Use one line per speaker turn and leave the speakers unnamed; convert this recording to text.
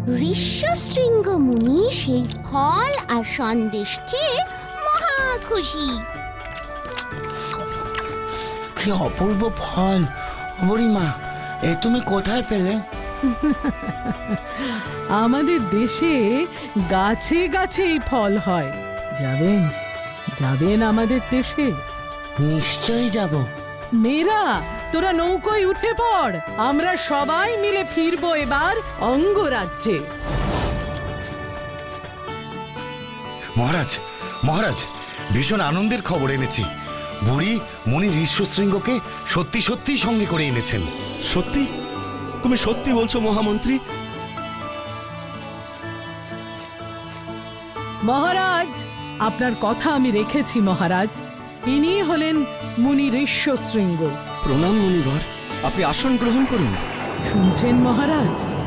ঋষ্যশৃঙ্গ মুনি সেই ফল আর সন্দেশ খেয়ে মহা খুশি।
কি অপূর্ব ফল! বুড়িমা, এ তুমি কোথায় পেলে?
আমাদের দেশে গাছে গাছে এই ফল হয়। যাবেন যাবেন আমাদের দেশে?
নিশ্চয়ই যাব।
মেয়েরা, তোরা নৌকোয় উঠে পড়, আমরা সবাই মিলে ফিরবো এবার অঙ্গরাজ্যে।
মহারাজ, মহারাজ, ভীষণ আনন্দের খবর এনেছি। বুড়ি মুনি ঋষ্যশৃঙ্গকে সত্যি সত্যি সঙ্গে করে এনেছেন।
সত্যি? তুমি সত্যি বলছো মহামন্ত্রী?
মহারাজ, আপনার কথা আমি রেখেছি মহারাজ। ইনি হলেন মুনি ঋষ্যশৃঙ্গ।
প্রণাম মুনিবর, আপনি আসন গ্রহণ করুন।
শুনছেন মহারাজ,